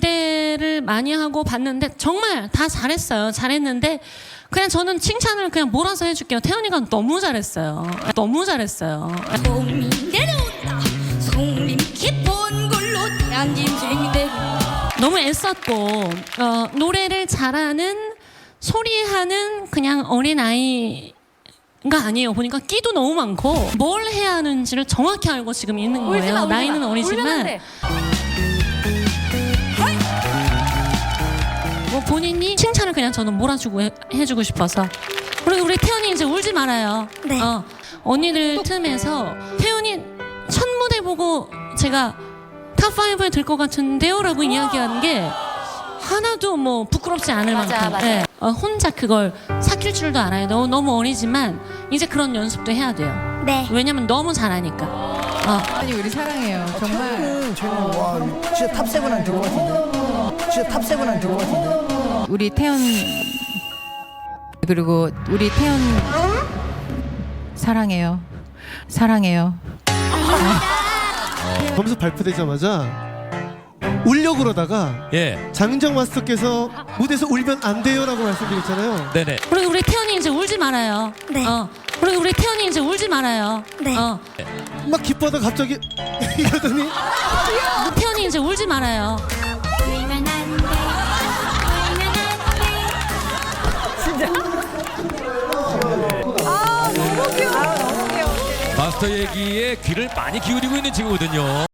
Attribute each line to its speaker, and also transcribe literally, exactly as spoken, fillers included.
Speaker 1: 기대를 많이 하고 봤는데 정말 다 잘했어요. 잘했는데 그냥 저는 칭찬을 그냥 몰아서 해줄게요. 태연이가 너무 잘했어요. 너무 잘했어요.
Speaker 2: 송림 내려온다. 송림 깊은 걸로 대한인생대.
Speaker 1: 너무 애썼고 어, 노래를 잘하는 소리하는 그냥 어린아이 가 아니에요. 보니까 끼도 너무 많고 뭘 해야 하는지를 정확히 알고 지금 있는 거예요.
Speaker 2: 울지마, 울지마.
Speaker 1: 나이는 어리지만 뭐 본인이 칭찬을 그냥 저는 몰아주고 해, 해주고 싶어서. 그리고 우리 태연이 이제 울지 말아요.
Speaker 2: 네.
Speaker 1: 어, 언니들 틈에서 태연이 첫 무대 보고 제가 탑오에 들 것 같은데요? 라고 이야기하는 게 하나도 뭐 부끄럽지 않을
Speaker 2: 맞아,
Speaker 1: 만큼
Speaker 2: 맞아.
Speaker 1: 예. 어, 혼자 그걸 삭힐 줄도 알아요. 너무, 너무 어리지만 이제 그런 연습도 해야 돼요.
Speaker 2: 네.
Speaker 1: 왜냐면 너무 잘하니까. 어.
Speaker 3: 아니 우리 사랑해요. 정말.
Speaker 4: 태연이는 저희는 와 진짜 탑 세븐 안에 들 것 같은데. 진짜 탑 세븐 안에 들 것 같은데.
Speaker 3: 우리 태연 그리고 우리 태연 사랑해요. 사랑해요.
Speaker 5: 검수 발표되자마자 울려고 그러다가
Speaker 6: 예,
Speaker 5: 장윤정 마스터께서 무대에서 울면 안 돼요라고 말씀드렸잖아요.
Speaker 6: 네네.
Speaker 1: 그리고 우리 태연이 이제 울지 말아요.
Speaker 2: 네.
Speaker 1: 어. 그리고 우리 태연이 이제 울지 말아요.
Speaker 2: 네.
Speaker 1: 어.
Speaker 5: 막 기뻐하다 갑자기 이러더니
Speaker 1: 태연이 이제 울지 말아요.
Speaker 2: 울면 안 돼. 울면 안 돼.
Speaker 6: 마스터 얘기에 귀를 많이 기울이고 있는 친구거든요.